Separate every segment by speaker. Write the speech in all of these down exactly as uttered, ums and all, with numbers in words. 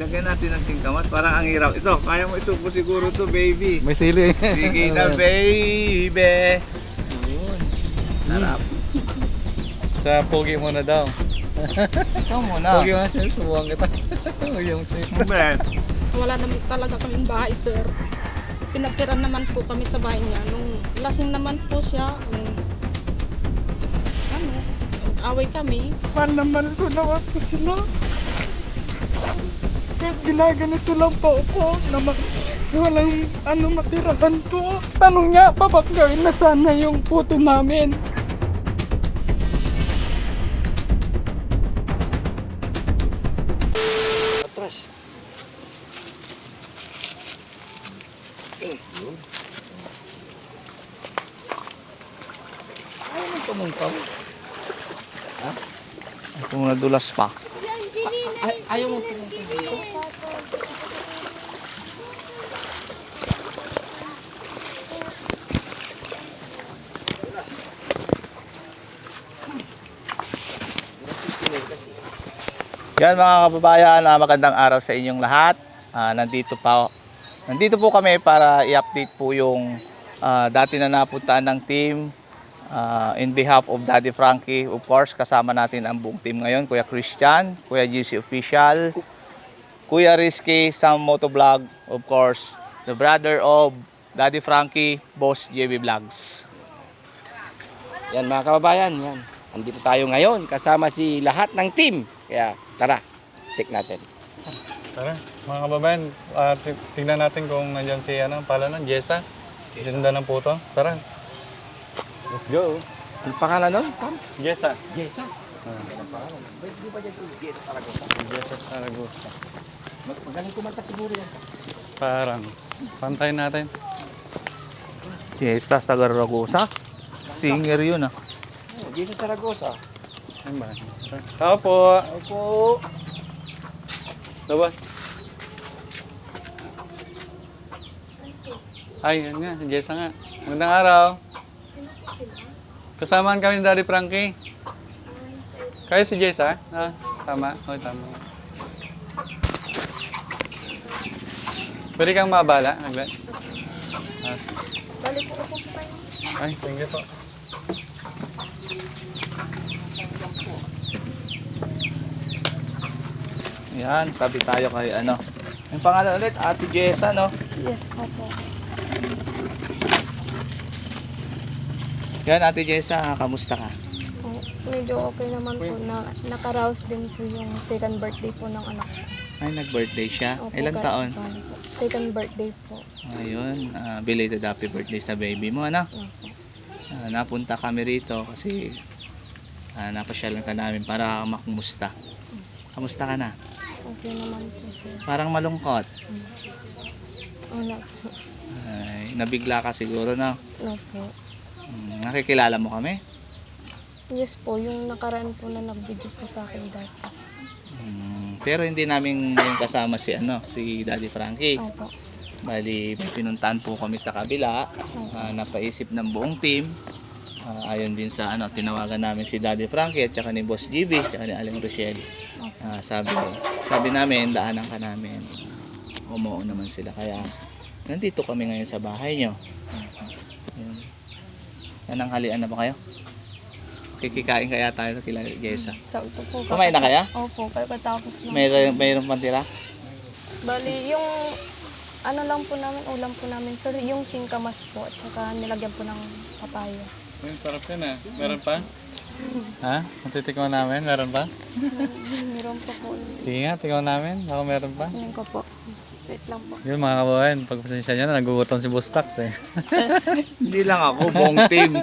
Speaker 1: Ilagyan natin ng singkamas. Parang ang hirap. Ito, kaya mo isubo siguro to, baby.
Speaker 2: May sili.
Speaker 1: Sige na, baby.
Speaker 2: Yun.
Speaker 1: Sarap.
Speaker 2: Sa pogi mo na daw.
Speaker 1: Ikaw muna.
Speaker 2: Pogi mo na siya, subuhan kita. Yung sweet.
Speaker 1: Mabet.
Speaker 3: Wala naman talaga kaming bahay, sir. Pinagtira naman po kami sa bahay niya. Nung lasing naman po siya, nung, ano, away kami.
Speaker 4: Mahal naman ko naman po sila. Kahit ginaganito lang po ako na ma- walang ano matirahan po. Tanong niya pa ba't gawin na sana yung puto namin.
Speaker 2: Atras. Eh, yun. Ayaw mo tumungkaw. Ha?
Speaker 1: Kung nadulas pa.
Speaker 3: Ay, ayaw mo po.
Speaker 1: Yan mga kababayan, uh, magandang araw sa inyong lahat. Uh, nandito pa Nandito po kami para i-update po yung uh, dati na napuntaan ng team uh, in behalf of Daddy Frankie. Of course, kasama natin ang buong team ngayon. Kuya Christian, Kuya G C Official, Kuya Rizky, Sam Motovlog, of course, the brother of Daddy Frankie, Boss J B Vlogs.
Speaker 5: Yan mga kababayan, yan. Andito tayo ngayon kasama si lahat ng team. Kaya tara, check natin.
Speaker 2: Tara, mga kababayan, uh, tingnan natin kung nandyan si ano, pala nun, Jessa. Ganda ng puto. Tara. Let's go.
Speaker 5: Ang pangalan nun, Tom?
Speaker 2: Jessa.
Speaker 5: Jessa.
Speaker 2: Ah.
Speaker 5: Di ba dyan si Jessa Saragosa?
Speaker 2: Jessa Saragosa.
Speaker 5: Mag- Magaling kumanta siguro yan.
Speaker 2: Parang, pantayin natin.
Speaker 1: Jessa Saragosa? Singer yun ah.
Speaker 5: Oh, Jessa Saragosa.
Speaker 2: Ayun ba? Tao po.
Speaker 5: Opo.
Speaker 2: Labas. Ay, yun nga. Si Jessa nga. Magandang araw. Kasamaan kami ni Daddy Frankie. Kayo si Jessa? Ah, tama. O, tama. Pwede kang mabala, Nagla. Ah,
Speaker 3: Balik po ako pa yun.
Speaker 2: ay, thank you po.
Speaker 1: Yan, tabi tayo kay ano. Yung pangalan ulit, Ate Jessa, no?
Speaker 3: Yes, opo.
Speaker 1: Yan, Ate Jessa, kamusta ka?
Speaker 3: Oh, medyo okay naman po na nakaraos din po yung second birthday po ng anak ko.
Speaker 1: Ay, nag-birthday siya.
Speaker 3: Opo,
Speaker 1: Ilang
Speaker 3: kahit
Speaker 1: taon?
Speaker 3: paano po. Second birthday po.
Speaker 1: Ayun, ah, belated happy birthday sa baby mo, ano?
Speaker 3: Opo.
Speaker 1: Ah, napunta kami rito kasi uh, napasyalan ka namin para makumusta. Kamusta ka na?
Speaker 3: Okay naman po, sir.
Speaker 1: Parang malungkot.
Speaker 3: Wala po.
Speaker 1: Ay, nabigla ka siguro, no?
Speaker 3: Wala po.
Speaker 1: Hmm, nakikilala mo kami?
Speaker 3: Yes po, yung nakaraan po na nag-video po sa akin dati.
Speaker 1: Hmm, pero hindi namin yung kasama si ano, si Daddy Frankie.
Speaker 3: Opo.
Speaker 1: Bali, may pinuntahan po kami sa kabila. Ah, napaisip ng buong team. Ah, ayon din sa ano, tinawagan namin si Daddy Frankie at saka ni Boss G B, at saka ni Aling Rochelle. Ah, sabi sabi namin, daanan ka namin. Umuo naman sila. Kaya, nandito kami ngayon sa bahay nyo. Ayun. Nananghalian na ba kayo? Kikikain kaya tayo sa kila Jessa.
Speaker 3: Sa ito po.
Speaker 1: Kumain na kaya?
Speaker 3: Opo, pagkatapos lang.
Speaker 1: Mayroon, mayroon pang tira?
Speaker 3: Bali, yung ano lang po namin, ulam po namin, sir, yung singkamas po, at saka nilagyan po ng papaya.
Speaker 2: Ay, sarap yun ah. Meron pa? Ha? Matitikman namin? Meron pa?
Speaker 3: Meron po po.
Speaker 2: Sige nga, tikman namin. Ako meron pa.
Speaker 3: Yan ko po. Wait lang po.
Speaker 2: Yun mga kababayan, pagpasensya nyo na, nagugutom si Bustax eh.
Speaker 1: Hindi lang ako, buong team.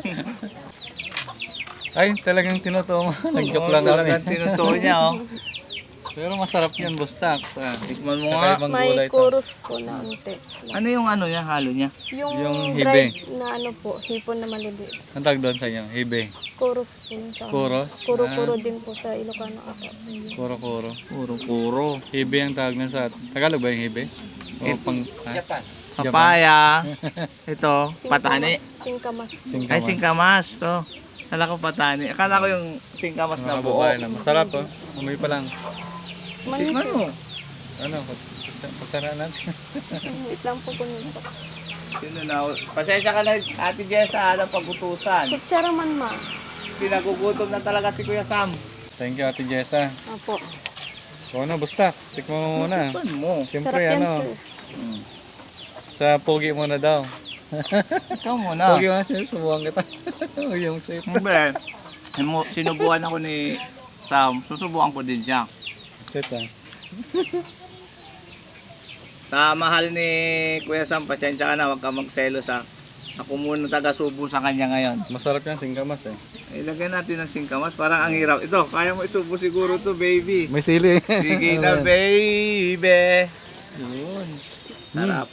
Speaker 2: Ay, talagang tinutuo mo. Nag-joke lang
Speaker 1: Talagang
Speaker 2: kami.
Speaker 1: tinutuo niya, oh.
Speaker 2: Pero masarap yun, Bustax. Ah.
Speaker 1: Tikman mo nga.
Speaker 2: Kakaibang
Speaker 3: May
Speaker 2: gulay to.
Speaker 3: chorus po na unti.
Speaker 1: Ano yung ano niya, halo niya?
Speaker 3: Yung,
Speaker 2: Yung hibe.
Speaker 3: dried na ano po, hipon na maliliit.
Speaker 2: Ang tawag doon sa inyo? Hibe.
Speaker 3: Chorus po yun sa
Speaker 2: Chorus?
Speaker 3: Kuro-kuro din po sa Ilocano ata.
Speaker 2: Kuro-kuro.
Speaker 1: Puro-puro.
Speaker 2: Hibe ang tawag na sa... Tagalog ba yung hibe? O pang... Ha?
Speaker 5: Japan.
Speaker 1: Papaya. Ito, patani.
Speaker 3: Singkamas.
Speaker 2: Singkamas.
Speaker 1: Ay, singkamas. To. Akala ko patani. Akala ko yung singkamas na
Speaker 2: Mga
Speaker 1: buo.
Speaker 2: babae na. Masarap oh. Amoy pa lang.
Speaker 1: Tikman mo.
Speaker 2: Ano, kutsa- kutsara natin.
Speaker 3: Wait lang po kunin po.
Speaker 1: Sino na? Pasensya ka na, Ate Jessa, ng pag-utusan.
Speaker 3: Kutsara man ma.
Speaker 1: Sinagugutom na talaga si Kuya Sam.
Speaker 2: Thank you, Ate Jessa.
Speaker 3: Opo.
Speaker 2: So ano, basta, stick mo muna.
Speaker 1: Pan mo.
Speaker 2: Siyempre,
Speaker 3: Sarap yan
Speaker 2: ano,
Speaker 3: sir.
Speaker 1: Hmm.
Speaker 2: sa pogi muna daw.
Speaker 1: Ikaw muna.
Speaker 2: Pogi nga siya, subuhan kita. Yung sweet.
Speaker 1: Hindi. Simu- Sinubukan ako ni Sam. Susubukan ko din siya.
Speaker 2: Sweet ah.
Speaker 1: Sa mahal ni Kuya Sam, pasensya ka na, huwag ka magselos ha. Ako muna taga-subo sa kanya ngayon.
Speaker 2: Masarap yan, singkamas eh.
Speaker 1: Ilagay natin ng singkamas, parang ang hirap. Ito, kaya mo isubo siguro to, baby.
Speaker 2: May sili.
Speaker 1: Sige na, baby. Yun. Sarap.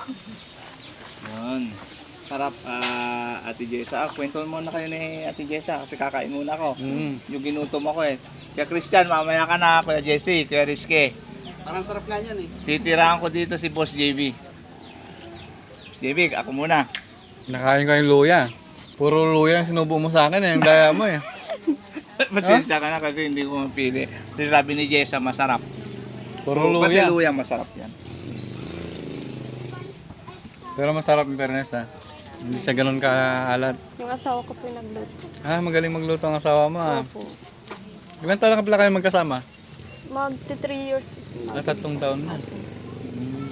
Speaker 1: Yun. Sarap, ah, Ate Jessa. Ah, kwentuhan muna kayo ni Ate Jessa kasi kakain muna ako.
Speaker 2: Mm.
Speaker 1: Yung ginutom ako eh. Kaya Christian, mamaya ka na, Kuya Jesse, Kuya Rizky.
Speaker 5: Parang sarap nga yan eh.
Speaker 1: Titirahan ko dito si Boss J B. J B, ako muna.
Speaker 2: Nakain ko yung luya. Puro luya yung sinubo mo sa akin eh. Ang daya mo eh.
Speaker 1: Pasensya ka na kasi hindi ko mapili. Kasi sabi ni Jessa, masarap.
Speaker 2: Puro
Speaker 1: Pati
Speaker 2: luya.
Speaker 1: luya, masarap yan.
Speaker 2: Pero masarap yung fairness ah. Hindi siya ganun kaalat.
Speaker 3: Yung asawa ko po yung nagluto.
Speaker 2: Ah, magaling magluto ang asawa mo ah.
Speaker 3: Opo.
Speaker 2: Ilan taon ka pala kayo magkasama?
Speaker 3: Magti three years.
Speaker 2: Ah, tatlong taon na. Hmm.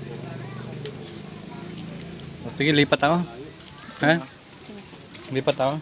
Speaker 2: O, sige, lipat ako. Ha? Lipat ako.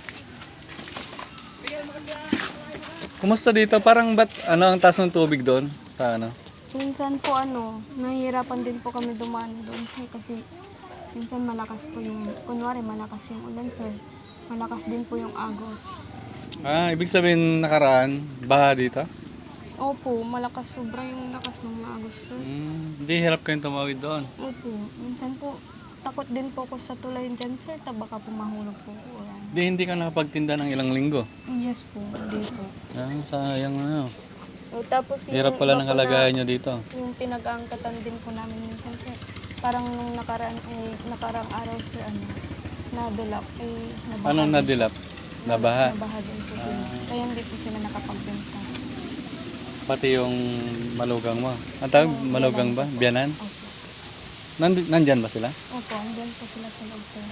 Speaker 2: Kumusta dito? Parang ba't ano ang taas ng tubig doon? Sa ano?
Speaker 6: Minsan po ano, nahihirapan din po kami dumaan doon sir kasi minsan malakas po yung, kunwari malakas yung ulan sir, malakas din po yung agos.
Speaker 2: Ah, ibig sabihin nakaraan, baha dito?
Speaker 6: Opo, malakas sobra yung lakas ng mga agos sir.
Speaker 2: Hmm, hindi hirap kayong tumawid doon.
Speaker 6: Opo, minsan po takot din po ako sa tulay dyan sir, ta baka po mahulog po ko. Ayan.
Speaker 2: Hindi, hindi ka nakapagtinda ng ilang linggo.
Speaker 6: Yes po, hindi po.
Speaker 2: Ah, sayang ano.
Speaker 6: O, tapos yung
Speaker 2: Hirap pala ng
Speaker 6: iba po
Speaker 2: kalagayan
Speaker 6: na-
Speaker 2: nyo dito.
Speaker 6: Yung pinag-aangkatan din po namin minsan sir. Parang nung nakaraan, eh, nakarang araw sir, ano, nadulap, eh, nabaha.
Speaker 2: Anong
Speaker 6: din.
Speaker 2: nadilap? Nabaha?
Speaker 6: Nabaha din po sila. Kaya hindi po sila nakapagbenta.
Speaker 2: Pati yung malugang mo. Ang tawag, malugang ba? Biyanan?
Speaker 6: Opo.
Speaker 2: Nand- nandyan ba sila?
Speaker 6: Opo, andyan po sila sa loob sir.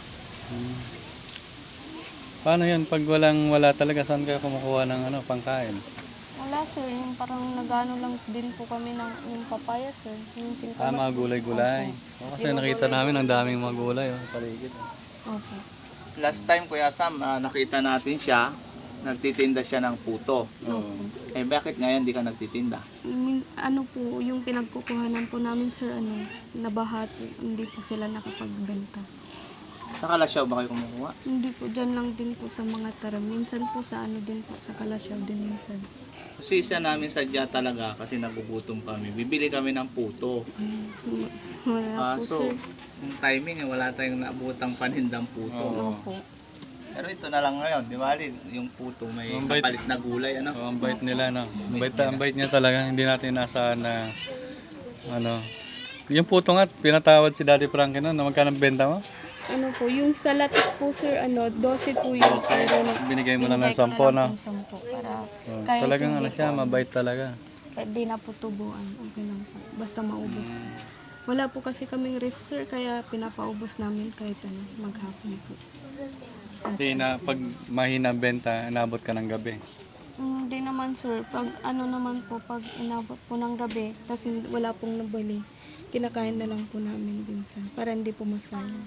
Speaker 2: Paano yan? Pag walang wala talaga, saan kayo kumukuha ng ano, pangkain?
Speaker 6: Wala sir, yung parang nagano lang din po kami ng yung papaya sir. Yung singkamas.
Speaker 2: Ah, mga gulay-gulay. O, kasi nakita namin ang daming mga gulay. Oh, paligid.
Speaker 6: Opo.
Speaker 1: Last time, Kuya Sam, ah, nakita natin siya, nagtitinda siya ng puto.
Speaker 2: Oo.
Speaker 1: Eh, bakit ngayon di ka nagtitinda?
Speaker 6: Min- ano po, yung pinagkukuhanan po namin sir, ano, nabahat, hindi po sila nakapagbenta.
Speaker 1: Sa Kalasyaw ba kayo kumukuha?
Speaker 6: Hindi po, dyan lang din po sa mga taram. Minsan po sa ano din po, sa Kalasyaw din minsan.
Speaker 1: Kasi isa namin sadya talaga kasi nagugutom kami. Bibili kami ng puto.
Speaker 6: Wala po
Speaker 1: Kaso,
Speaker 6: sir.
Speaker 1: yung timing, eh, wala tayong naabutang panindang puto.
Speaker 2: Oo.
Speaker 6: Opo.
Speaker 1: Pero ito na lang ngayon, di ba? Lin? Yung puto may
Speaker 2: Ang bait.
Speaker 1: kapalit na gulay, ano?
Speaker 2: Oh, ang bait nila, no? Ang bait, ang bait niya talaga. Hindi natin inasahan na, ano, yung puto nga, pinatawad si Daddy Frankie no, na magkano benta mo?
Speaker 6: Ano po, yung sa latik po sir, ano, twelve po yung sir.
Speaker 2: Tapos binigay mo na ng sampo, no?
Speaker 6: sampo para
Speaker 2: So,
Speaker 6: kahit
Speaker 2: talagang
Speaker 6: hindi
Speaker 2: ano siya,
Speaker 6: po,
Speaker 2: mabait talaga.
Speaker 6: kahit di na po tubuan, okay lang po. Basta maubos po. Wala po kasi kaming ref sir, kaya pinapaubos namin kahit ano, maghapon po.
Speaker 2: Hindi na, pag mahina ang benta, inabot ka ng gabi.
Speaker 6: Hindi naman sir, pag ano naman po, pag inabot po ng gabi, tapos hindi- wala pong nabali, kinakain na lang po namin minsan, para hindi po masayang.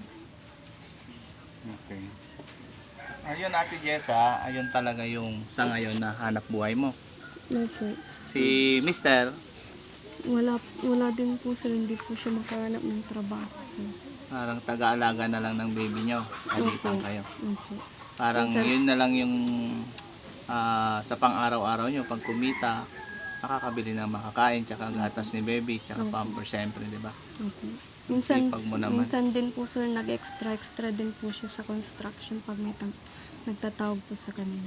Speaker 2: Okay.
Speaker 1: Ayun, Ate Jessa, ayun talaga yung sa ngayon na hanap buhay mo.
Speaker 6: No po.
Speaker 1: Si Mister,
Speaker 6: Wala, wala din po sir, hindi po siya makahanap ng trabaho sir.
Speaker 1: parang taga-alaga na lang ng baby nyo. Alitan kayo.
Speaker 6: Opo.
Speaker 1: Parang yun na lang yung ah, sa pang-araw-araw nyo. Pag kumita, nakakabili ng makakain, tsaka gatas ni baby, tsaka pamper, syempre, di ba?
Speaker 6: Opo. Minsan,
Speaker 1: Sipag mo naman.
Speaker 6: minsan din po sir, nag-extra-extra din po siya sa construction pag may tang- nagtatawag po sa kanila.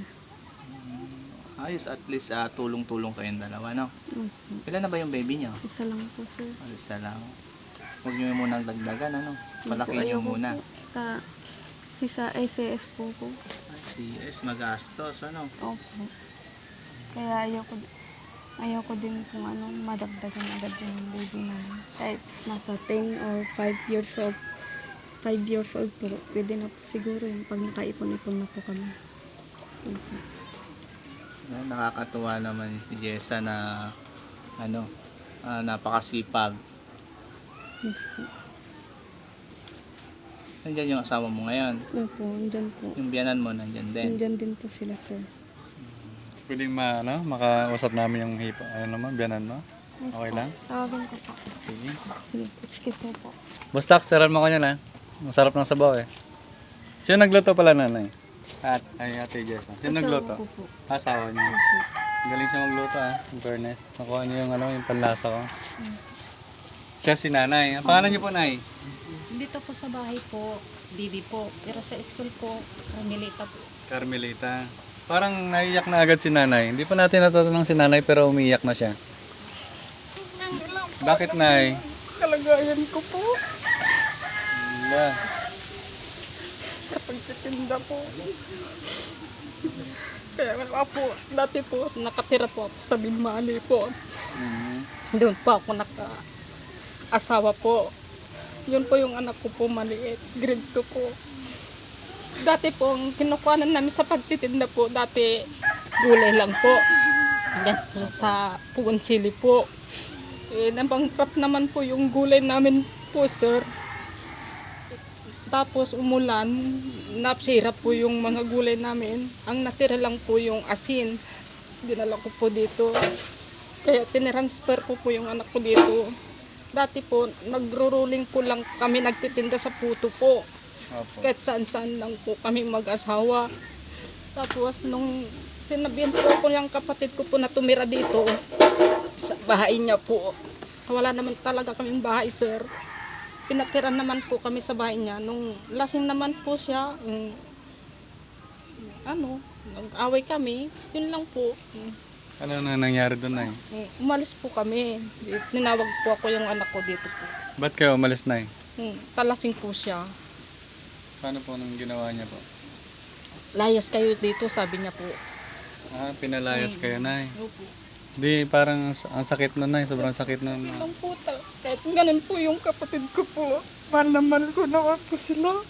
Speaker 1: Ayos, at least ah, tulong-tulong kayong dalawa, no?
Speaker 6: Opo.
Speaker 1: Ilan na ba yung baby nyo?
Speaker 6: Isa lang po sir.
Speaker 1: Isa lang. Huwag nyo munang dagdagan, ano? Palaki nyo
Speaker 6: Ayoko
Speaker 1: muna.
Speaker 6: po. Ta, si sa S A S po ko.
Speaker 1: Si S, magastos, ano?
Speaker 6: Opo. Kaya ayoko. ayaw ko din kung ano, madagdagan agad yung baby namin. Kahit nasa ten or five years old, five years old po, pwede na po siguro yung pag nakaipon-ipon na po kami. Opo.
Speaker 1: Nakakatuwa naman si Jessa na ano, ah, napakasipag.
Speaker 6: Yes po.
Speaker 1: Nandiyan yung asawa mo ngayon.
Speaker 6: Opo, andyan po.
Speaker 1: Yung biyanan mo nandiyan din.
Speaker 6: Andyan din po sila, sir.
Speaker 2: Pwedeng ma, ano, makausap namin yung hipa, ano naman, biyanan mo?
Speaker 6: Yes
Speaker 2: Okay
Speaker 6: po.
Speaker 2: lang?
Speaker 6: Tawagan ko po.
Speaker 2: Sige.
Speaker 6: Sige, excuse me po.
Speaker 2: Basta, saran mo kanya na. Masarap ng sabaw eh. Sino nagluto pala nanay? At, ay, ate Jessa. Sino
Speaker 6: Asawa
Speaker 2: nagluto?
Speaker 6: ko po.
Speaker 2: Asawa niya. Galing siya magluto ah, in fairness. Nakuha niya yung, ano, yung panlasa ko. Siya si nanay. Ang pangalan niyo po, nay?
Speaker 3: Dito po sa bahay po, Bibi po. Pero sa school po, Carmelita po.
Speaker 2: Carmelita. Parang naiyak na agad si nanay. Hindi pa natin natatanong si nanay pero umiiyak na siya. Bakit, nay?
Speaker 4: Kalagayan ko po
Speaker 2: Wala.
Speaker 4: sa pagtitinda po. Kaya nga po, dati po, nakatira po ako sa Binmali po.
Speaker 2: Mhm.
Speaker 4: Doon po ako naka-asawa po. Yun po yung anak ko po maliit, grade two po. Dati po, ang kinukuhanan namin sa pagtitinda po, dati gulay lang po. Yan po sa Pugon Sili po. Eh, nabangkrap naman po yung gulay namin po, sir. Tapos umulan, napsira po yung mga gulay namin. Ang natira lang po yung asin. Dinala ko po dito. Kaya tinransfer ko po yung anak ko dito. Dati po, nagro-rolling po lang kami nagtitinda sa puto po.
Speaker 2: Opo.
Speaker 4: Kahit saan-saan lang po kami mag-asawa. Tapos nung sinabihan po ko yung kapatid ko po na tumira dito, sa bahay niya po. Wala naman talaga kaming bahay, sir. Pinatira naman po kami sa bahay niya. Nung lasing naman po siya, um, ano, nag-away kami. Yun lang po. Um,
Speaker 2: Ano na nangyari doon, nay?
Speaker 4: umalis po kami. Ninawag po ako yung anak ko dito po.
Speaker 2: Ba't kayo umalis, nay?
Speaker 4: Um, talasing po siya.
Speaker 2: Paano po nang ginawa niya po?
Speaker 4: Layas kayo dito, sabi niya po.
Speaker 2: Ah, pinalayas kayo, nay.
Speaker 4: Opo.
Speaker 2: Di, parang ang ang sakit na, nay. Sobrang sakit na.
Speaker 4: Ang puta. Kahit ganun po yung kapatid ko po. Mahal na mahal ko naman po sila.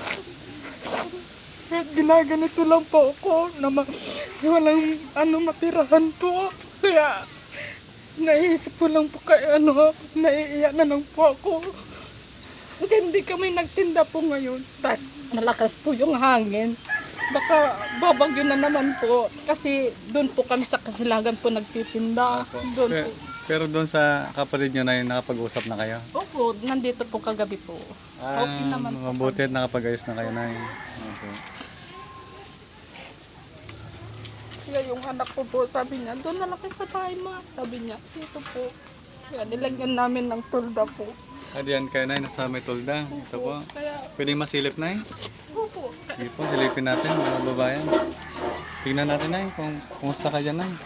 Speaker 4: Kahit ginaganito lang po ako na ma- walang ano matirahan po. Kaya naisip ko lang po kay ano, naiiyak na lang po ako. Kaya hindi kami nagtinda po ngayon. Dahil malakas po yung hangin. Baka babagyo na naman po. Kasi doon po kami sa Kasilagan po nagtitinda. Doon
Speaker 2: Pero,
Speaker 4: po.
Speaker 2: pero doon sa kapatid niyo, nay, nakapag-usap na kayo?
Speaker 4: Opo, nandito po kagabi po. Okay naman po.
Speaker 2: Mabuti at nakapag-ayos na kayo, nay. Okay.
Speaker 4: Kaya yung anak ko po, sabi niya, doon na lang kayo sa bahay ma. Sabi niya, dito po. Kaya nilagyan namin ng tulda po.
Speaker 2: Ah, diyan kayo, nay. Nasa may tulda. Ito po.
Speaker 4: Kaya,
Speaker 2: Pwedeng masilip, nay?
Speaker 4: opo.
Speaker 2: Sige po, silipin natin, mga babayan. Tingnan natin, nay, kung kumusta ka dyan, nay.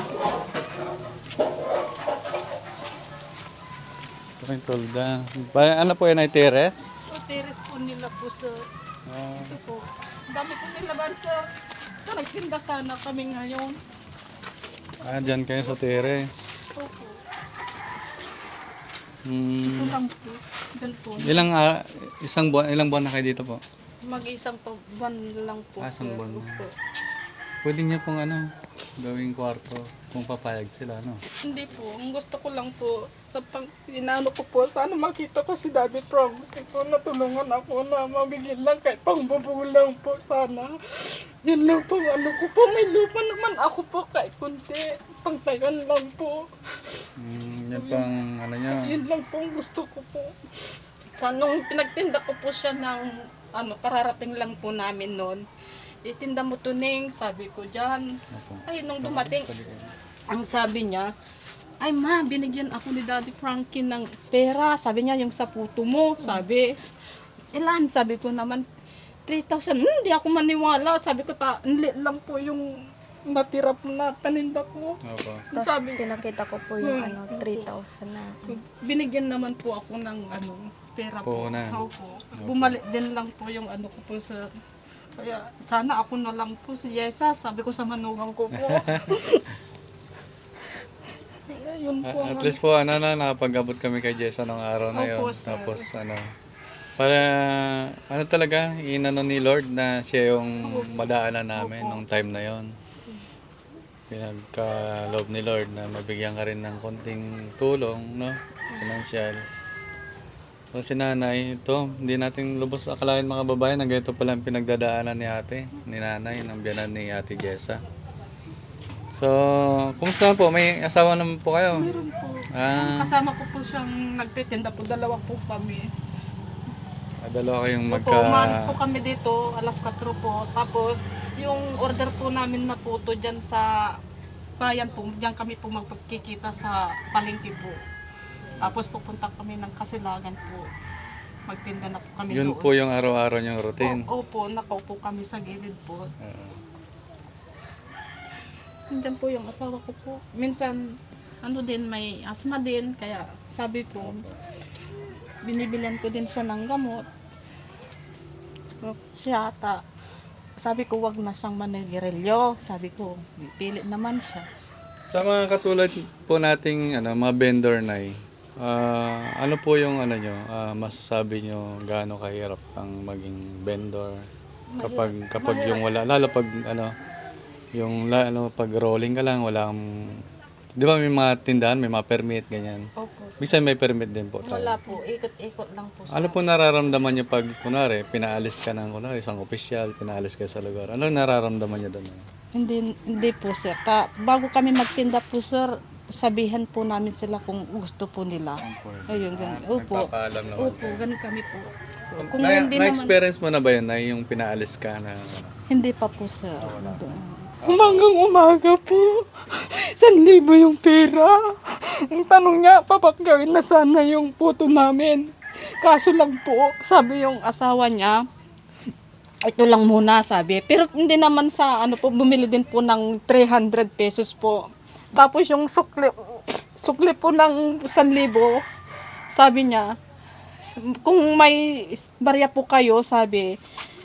Speaker 2: Ito yung tulda. Ba, ano po yan, ay teres?
Speaker 4: O, teres po nila po, sir.
Speaker 2: Ah,
Speaker 4: Ito po. Ang dami po nilaban, sir. Ito, nagtinda sana kami ngayon.
Speaker 2: ah, dyan kayo sa teres.
Speaker 4: Opo. Ito
Speaker 2: Hmm.
Speaker 4: lang po. Diyan po.
Speaker 2: Ilang, ah, isang buwan, ilang buwan na kayo dito po?
Speaker 4: Mag-isang pa buwan lang po,
Speaker 2: Ah, isang
Speaker 4: sir.
Speaker 2: buwan na.
Speaker 4: Opo.
Speaker 2: Pwede niya pong ano, gawing kwarto kung papayag sila, no?
Speaker 4: Hindi po. Ang gusto ko lang po, sa pang inano ko po, sana makita ko si Daddy Prom. Ito, natulungan ako na mabigyan lang kahit pang bubulang po sana. Yun lang po, ano ko po, may lupa naman ako po kahit kunti. Pangtayan lang po.
Speaker 2: Hmm, yan pang ano niya.
Speaker 4: Yun lang po ang gusto ko po. Sa nung pinagtinda ko po siya ng, ano, kararating lang po namin noon. Itinda mo tuning, sabi ko dyan.
Speaker 2: Opo.
Speaker 4: Ay, nung dumating,
Speaker 2: Pwede kayo.
Speaker 4: ang sabi niya, ay ma, binigyan ako ni Daddy Frankie ng pera. Sabi niya, yung sa puto mo. Sabi, ilan? Sabi ko naman, three thousand. Hmm, hindi ako maniwala. Sabi ko, ta, enli lang po yung natira po na paninda ko.
Speaker 2: Opo.
Speaker 6: Tapos
Speaker 4: Sabi,
Speaker 6: pinakita ko po yung ano, three thousand na.
Speaker 4: binigyan naman po ako ng ano, pera po.
Speaker 2: Puhunan.
Speaker 4: Opo. Bumalik din lang po yung ano ko po sa... Kaya sana ako na lang po si Yesa. Sabi ko sa manugang ko po.
Speaker 3: yun po.
Speaker 2: At
Speaker 3: ang-
Speaker 2: least po, ano na, nakapag-abot kami kay Jessa nung araw na yun.
Speaker 3: Opo, sir.
Speaker 2: Tapos, ano, para, ano talaga, inano ni Lord na siya yung madaanan namin nung time na yon. Pinagka-love ni Lord na mabigyan ka rin ng konting tulong, no? Financial. So, si nanay, ito, hindi natin lubos akalain mga babae na ganito pala ang pinagdadaanan ni ate, ni nanay, ng biyanan ni ate Jessa. So, kumusta po? May asawa naman po kayo?
Speaker 3: Meron po.
Speaker 2: Ah,
Speaker 3: Kasama ko po siyang nagtitinda po. Dalawa po kami.
Speaker 2: ah, dalawa kayong
Speaker 3: Opo,
Speaker 2: magka...
Speaker 3: umalis po kami dito, alas kwatro po. Tapos, yung order po namin na puto dyan sa bayan po, dyan kami po magpagkikita sa palengke po. Tapos pupunta kami ng Kasilagan po. Magtinda na po kami
Speaker 2: Yun
Speaker 3: doon.
Speaker 2: po yung araw-araw niyong routine.
Speaker 3: O, opo, nakaupo kami sa gilid po.
Speaker 2: Oo.
Speaker 3: Nandyan po yung asawa ko po. Minsan, ano din, may asma din. Kaya sabi ko, binibilihan ko din siya ng gamot. Siya ata, sabi ko, wag na siyang manigarilyo. Sabi ko, pilit naman siya.
Speaker 2: Sa mga katulad po nating ano, mga vendor na ah, ano po yung ano nyo, ah, masasabi nyo gaano kahirap ang maging vendor kapag kapag yung wala, lalo pag ano, yung la- ano, pag rolling ka lang, wala kang, di ba may mga tindahan, may mga permit, ganyan.
Speaker 3: Opo.
Speaker 2: Bisa may permit din po tayo.
Speaker 3: Wala po, ikot-ikot lang po sa...
Speaker 2: Ano po nararamdaman nyo pag, kunwari, pinaalis ka ng, kunwari, isang opisyal, pinaalis ka sa lugar. Ano nararamdaman nyo doon?
Speaker 3: Hindi, hindi po sir. Ta, bago kami magtinda po sir, sabihan po namin sila kung gusto po nila. Ayun, ganun. Opo.
Speaker 2: Nagpapaalam naman.
Speaker 3: Opo, ganun kami po. Kung
Speaker 2: na,
Speaker 3: hindi naman,
Speaker 2: na-experience mo na ba yun na yung pinaalis ka na ano?
Speaker 3: hindi pa po sir. Doon.
Speaker 4: Umagang umaga po. San libo yung pera. Ang tanong niya, papagawin na sana yung puto namin. Kaso lang po,
Speaker 3: Sabi yung asawa niya, ito lang muna sabi. Pero hindi naman sa ano po, bumili din po ng three hundred pesos po. Tapos yung sukli, sukli po ng one libo, sabi niya, kung may barya po kayo, sabi,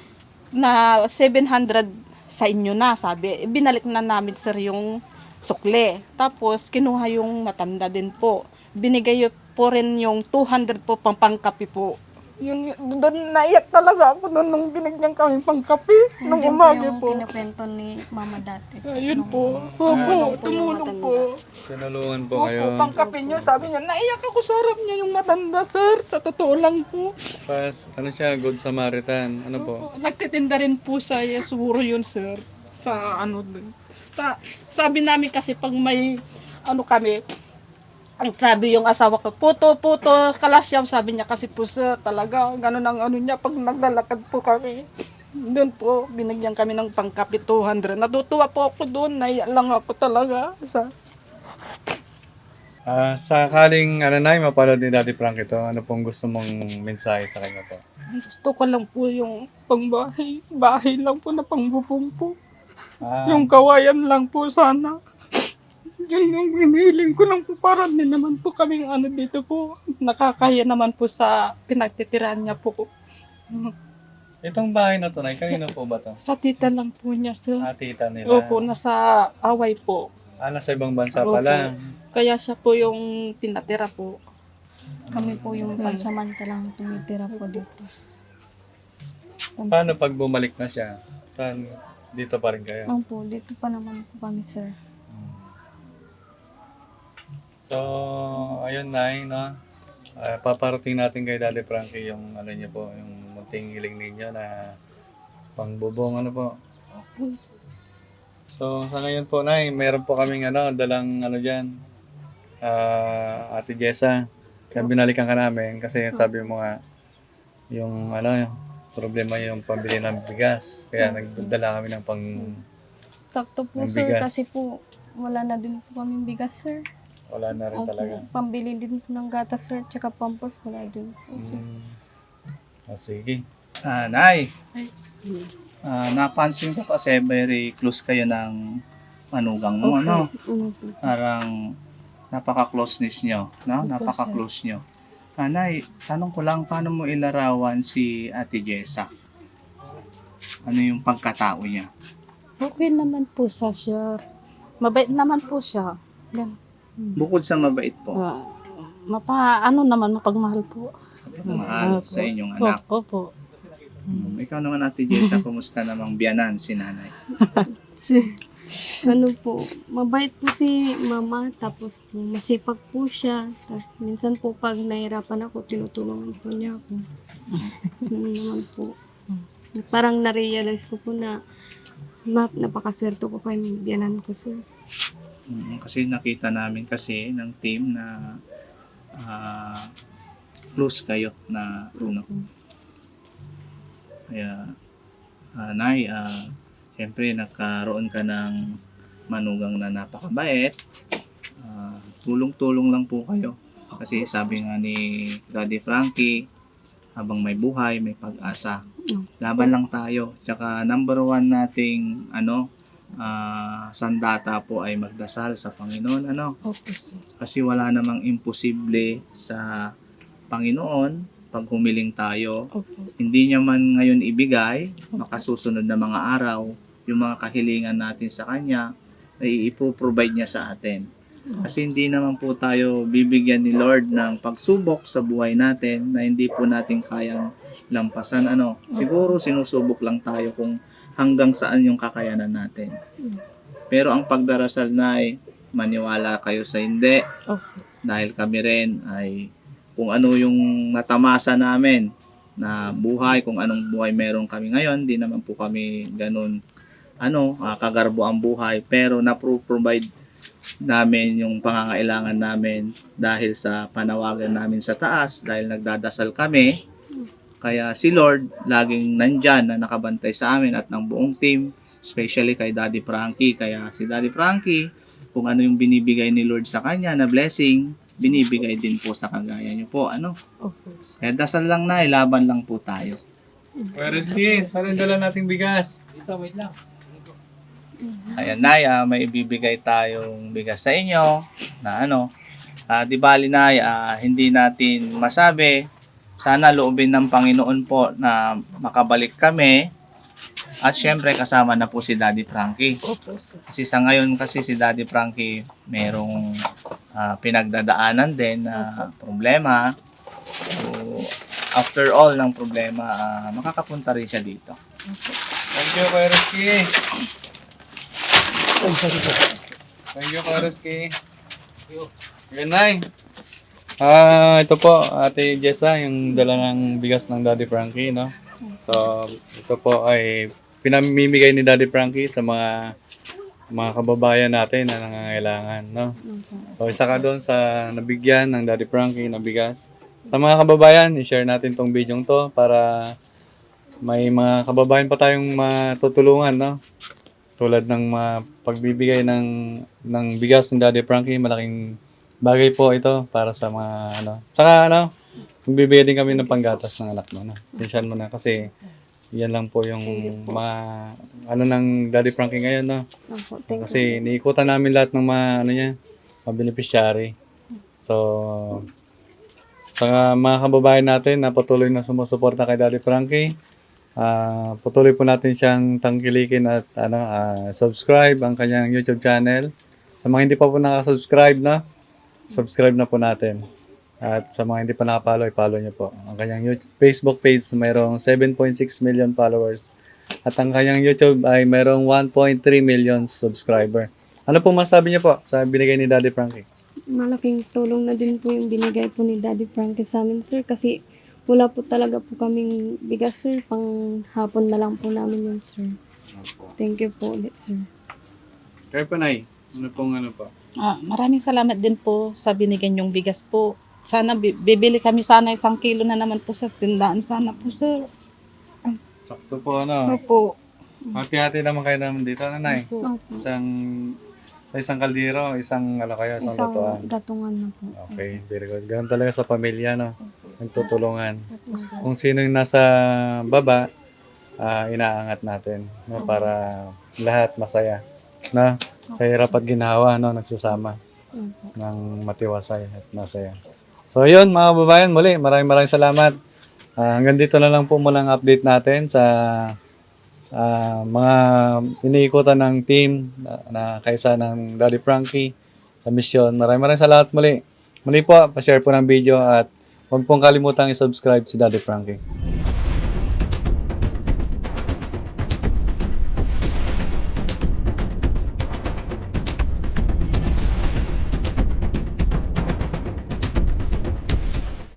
Speaker 3: na seven hundred sa inyo na, sabi. Binalik na namin sir yung sukle. Tapos kinuha yung matanda din po. Binigay po rin yung two hundred po pang pangkapi po.
Speaker 4: yun, doon naiyak talaga ako doon nung binigyan kami pang kape. Nung
Speaker 6: Yun din
Speaker 4: umaga
Speaker 6: yung
Speaker 4: po.
Speaker 6: kinukwento ni mama dati.
Speaker 4: Ayun
Speaker 6: Nung-
Speaker 4: po. Opo,
Speaker 6: Tumulong po yung
Speaker 4: tumulong
Speaker 6: matanda.
Speaker 4: po.
Speaker 2: Tinulungan po kayo.
Speaker 4: Opo, pang kape niyo. Sabi niya, naiyak ako sa harap niya yung matanda, sir. Sa totoo lang po.
Speaker 2: Pas, ano siya, Good Samaritan. Ano po?
Speaker 3: Nagtitinda rin po sa siguro yun sir. Sa ano dun. Sa, sabi namin kasi pag may ano kami, ang sabi yung asawa ko, puto, puto, kalasyaw, sabi niya kasi po sir, talaga, ganun ang ano niya, pag naglalakad po kami. Doon po, binigyan kami ng pangkapi two hundred. Natutuwa po ako doon, naiyak lang ako talaga. Sa,
Speaker 2: Ah, sakaling, ano na, mapanood ni Daddy Frank ito, ano pong gusto mong mensahe sa kanya po?
Speaker 4: Gusto ko lang po yung pangbahay. Bahay lang po na pangbubong po.
Speaker 2: Ah,
Speaker 4: Yung kawayan lang po sana. Yun yung hinihiling ko lang po para din naman po kaming ano dito po. Nakakaya naman po sa pinagtitirahan niya po.
Speaker 2: itong bahay na to, Nay, kanino po ba to?
Speaker 4: Sa tita lang po niya sir.
Speaker 2: Ah, tita nila.
Speaker 4: Opo, nasa away po.
Speaker 2: Ah, nasa ibang bansa
Speaker 3: Opo.
Speaker 2: pala.
Speaker 3: kaya siya po yung pinatira po.
Speaker 6: Kami po yung pansamantalang tumitira po dito.
Speaker 2: Paano pag bumalik na siya? Saan? Dito pa rin kayo?
Speaker 6: Opo, dito pa naman po kami, sir.
Speaker 2: So, ayun na, no? Ah, paparating natin kay Daddy Frankie yung ano niyo po, yung munting hiling ninyo na pangbubong ano po. So, sa ngayon po, Nay, meron po kaming ano, dalang ano diyan. Ah, Ate Jessa. Kaya binalikan ka namin kasi sabi mo nga yung ano, yung problema yung pambili ng bigas. Kaya nagdala kami ng pang
Speaker 6: Sakto po,
Speaker 2: Ang
Speaker 6: sir,
Speaker 2: bigas.
Speaker 6: kasi po wala na din po kami bigas, sir.
Speaker 2: wala na rin
Speaker 6: Opo,
Speaker 2: talaga.
Speaker 6: pambili din po ng gatas, sir, tsaka pampers, wala din po, sir.
Speaker 2: Mm. Ah, sige.
Speaker 1: Ah, Nay, ah, napansin ko kasi very close kayo ng manugang mo, ano?
Speaker 6: Ano po?
Speaker 1: Parang napaka-closeness nyo, no?
Speaker 6: Opo,
Speaker 1: Napaka-close nyo. Ah, Nay, tanong ko lang, paano mo ilarawan si Ate Jessa? Ano yung pagkatao niya?
Speaker 3: Okay naman po sa siya. Mabait naman po siya. Gan.
Speaker 1: Bukod sa mabait po,
Speaker 3: Ah, mapa, ano naman, mapagmahal po.
Speaker 1: mahal
Speaker 3: Opo.
Speaker 1: sa inyong anak.
Speaker 3: Opo.
Speaker 1: Hmm, ikaw naman Ate Jessa, kumusta namang biyanan si nanay?
Speaker 6: Si- ano po, mabait po si mama, tapos po masipag po siya. Tapos minsan po pag nahirapan ako, tinutulungan po niya ako. Ano naman po. Parang na-realize ko po na na napakaswerte ko kay biyanan ko, sir.
Speaker 1: Mm, kasi nakita namin kasi ng team na ah, close kayo na ano. Kaya ah, Nay, ah, siyempre nagkaroon ka ng manugang na napakabait. Ah, tulong-tulong lang po kayo. Kasi sabi nga ni Daddy Frankie, habang may buhay, may pag-asa. Laban lang tayo. Tsaka number one nating ano, ah, sandata po ay magdasal sa Panginoon. Ano?
Speaker 3: Opo, sir.
Speaker 1: Kasi wala namang imposible sa Panginoon pag humiling tayo.
Speaker 3: Opo.
Speaker 1: Hindi niya man ngayon ibigay, makasusunod na mga araw, yung mga kahilingan natin sa Kanya, ay ipoprovide niya sa atin. Kasi hindi naman po tayo bibigyan ni Lord ng pagsubok sa buhay natin na hindi po natin kayang lampasan. Ano, siguro sinusubok lang tayo kung hanggang saan yung kakayanan natin. Pero ang pagdarasal na ay maniwala kayo sa hindi,
Speaker 3: Opo.
Speaker 1: dahil kami rin ay kung ano yung natamasa namin na buhay, kung anong buhay meron kami ngayon, di naman po kami ganun ano, ah, kagarbo ang buhay, pero na-provide namin yung pangangailangan namin dahil sa panawagan namin sa taas, dahil nagdadasal kami. Kaya si Lord laging nandyan na nakabantay sa amin at ng buong team, especially kay Daddy Frankie. Kaya si Daddy Frankie, kung ano yung binibigay ni Lord sa kanya na blessing, binibigay din po sa kagaya niyo po. Ano?
Speaker 3: Opo.
Speaker 1: Kaya dasal lang na, laban lang po tayo.
Speaker 2: Kuya Rizky, saan ang dala nating bigas?
Speaker 1: Ayan Nay, ah, may ibibigay tayong bigas sa inyo na ano, ah, di bali Nay, ah, hindi natin masabi. Sana loobin ng Panginoon po na makabalik kami at syempre kasama na po si Daddy Frankie.
Speaker 3: Opo, sir.
Speaker 1: Kasi sa ngayon kasi si Daddy Frankie merong ah, pinagdadaanan din na problema. So, after all ng problema, ah, makakapunta rin siya dito.
Speaker 2: Thank you, Kuya Rizky. Thank you, Kuya Rizky. Good night. Ah, ito po, Ate Jessa, yung dala ng bigas ng Daddy Frankie, no? So, ito po ay pinamimigay ni Daddy Frankie sa mga mga kababayan natin na nangangailangan, no? So, isa ka doon sa nabigyan ng Daddy Frankie na bigas. Sa mga kababayan, i-share natin tong video to para may mga kababayan pa tayong matutulungan, no? Tulad ng mga pagbibigay ng ng bigas ng Daddy Frankie, malaking bagay po ito para sa mga ano. Saka ano, magbibigay din kami ng panggatas ng anak mo, no? Sinsyan mo na kasi yan lang po yung mga ano ng Daddy Frankie ngayon, no?
Speaker 6: Opo, thank you.
Speaker 2: Kasi niikutan namin lahat ng mga ano niya, mga beneficiary. So, sa mga kababayan natin na patuloy na sumusuporta kay Daddy Frankie, ah patuloy po natin siyang tangkilikin at ano, ah, subscribe ang kanyang YouTube channel. Sa mga hindi pa po nakasubscribe na, subscribe na po natin. At sa mga hindi pa nakapollow, i-follow niyo po. Ang kanyang YouTube, Facebook page mayroong seven point six million followers. At ang kanyang YouTube ay mayroong one point three million subscriber. Ano po masabi niyo po sa binigay ni Daddy Frankie?
Speaker 6: Malaking tulong na din po yung binigay po ni Daddy Frankie sa amin, sir. Kasi wala po talaga po kaming bigas, sir. Pang hapon na lang po namin yun, sir. Thank you po ulit, sir.
Speaker 2: Kaya po, Nay, ano pong ano po?
Speaker 3: Ah, maraming salamat din po sa binigay niyong bigas po. Sana bi- bibili kami sana isang kilo na naman po sa tindahan. Sana po, sir.
Speaker 2: Sakto po, ano?
Speaker 3: Opo.
Speaker 2: Hati-hati naman kayo naman dito, Nanay.
Speaker 6: Opo.
Speaker 2: Isang, sa isang kaldero, isang, ano kayo, isang,
Speaker 6: Isang
Speaker 2: lutuan.
Speaker 6: datungan na po.
Speaker 2: Okay, very good. Ganun talaga sa pamilya, no? Nagtutulungan.
Speaker 6: Opo, sir.
Speaker 2: Kung sino yung nasa baba, ah, inaangat natin, no? Para lahat masaya. No? Sa hirap at ginhawa, no? Nagsasama
Speaker 6: Opo.
Speaker 2: ng matiwasay at masaya. So yun mga kababayan, muli maraming maraming salamat. Ah, hanggang dito na lang po muna ang update natin sa ah, mga iniikutan ng team na, na kaisa ng Daddy Frankie sa misyon. Maraming maraming salamat muli. Muli po, pa-share po ng video at huwag pong kalimutang i-subscribe si Daddy Frankie.